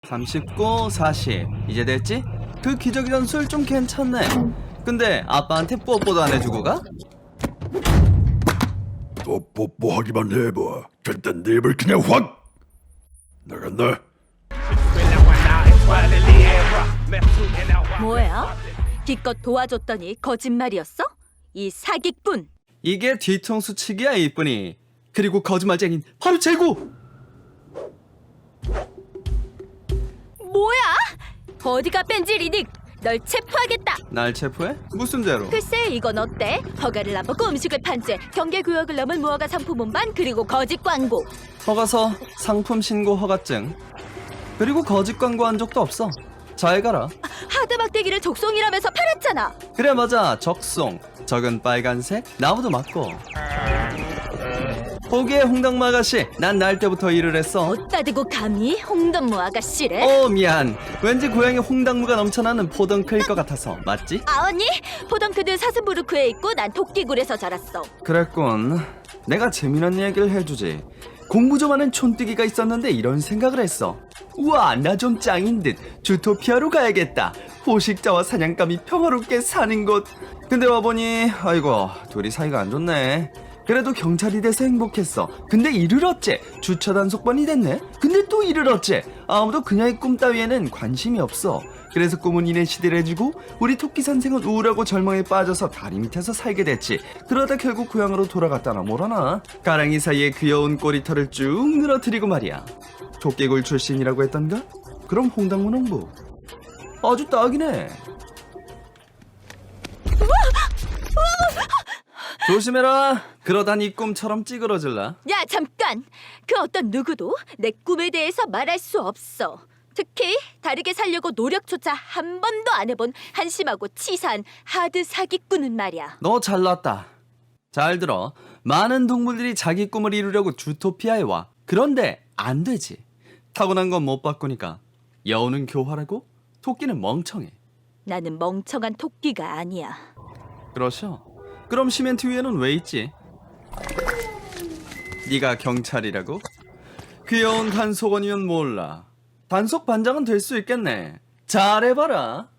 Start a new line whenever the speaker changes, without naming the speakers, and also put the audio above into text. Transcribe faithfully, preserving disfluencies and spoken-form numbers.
삼십구, 사십 이제 됐지? 그 기저귀 전술 좀 괜찮네. 근데 아빠한테 뽀뽀도 안 해주고 가?
또 뽀뽀하기만 해봐. 그땐 네 입을 그냥 확 나간다.
뭐야? 기껏 도와줬더니 거짓말이었어? 이 사기꾼!
이게 뒤통수 치기야 이쁜이. 그리고 거짓말쟁인 바로 재고.
뭐야? 어디가 뺀질이니? 널 체포하겠다!
날 체포해? 무슨 죄로?
글쎄 이건 어때? 허가를 안 받고 음식을 판죄, 경계구역을 넘은 무허가 상품 운반, 그리고 거짓 광고.
허가서, 상품 신고 허가증, 그리고 거짓 광고한 적도 없어. 잘 가라.
하드 막대기를 적송이라면서 팔았잖아.
그래 맞아, 적송. 적은 빨간색, 나무도 맞고. 보기에 홍당무 아가씨, 난 날 때부터 일을 했어.
어따 대고 감히 홍던무 아가씨래?
어 미안. 왠지 고향에 홍당무가 넘쳐나는 포덩크일 것 같아서. 맞지?
아 언니, 포덩크는 사슴부르크에 있고 난 토끼굴에서 자랐어.
그랬군. 내가 재미난 얘기를 해주지. 공부 좀 하는 촌뜨기가 있었는데 이런 생각을 했어. 우와, 나 좀 짱인 듯. 주토피아로 가야겠다. 포식자와 사냥감이 평화롭게 사는 곳. 근데 와보니 아이고, 둘이 사이가 안 좋네. 그래도 경찰이 돼서 행복했어. 근데 이를 어째? 주차 단속반이 됐네. 근데 또 이를 어째? 아무도 그녀의 꿈 따위에는 관심이 없어. 그래서 꿈은 이내 시대를 해주고 우리 토끼 선생은 우울하고 절망에 빠져서 다리 밑에서 살게 됐지. 그러다 결국 고향으로 돌아갔다나 뭐라나. 가랑이 사이에 귀여운 꼬리털을 쭉 늘어뜨리고 말이야. 토끼굴 출신이라고 했던가? 그럼 홍당무 농부 아주 딱이네. 조심해라. 그러다 네 꿈처럼 찌그러질라.
야 잠깐! 그 어떤 누구도 내 꿈에 대해서 말할 수 없어. 특히 다르게 살려고 노력조차 한 번도 안 해본 한심하고 치사한 하드 사기꾼은 말이야.
너 잘났다. 잘 들어. 많은 동물들이 자기 꿈을 이루려고 주토피아에 와. 그런데 안 되지. 타고난 건 못 바꾸니까. 여우는 교활하고 토끼는 멍청해.
나는 멍청한 토끼가 아니야.
그러셔. 그럼 시멘트 위에는 왜 있지? 네가 경찰이라고? 귀여운 단속원이면 몰라. 단속 반장은 될 수 있겠네. 잘해봐라.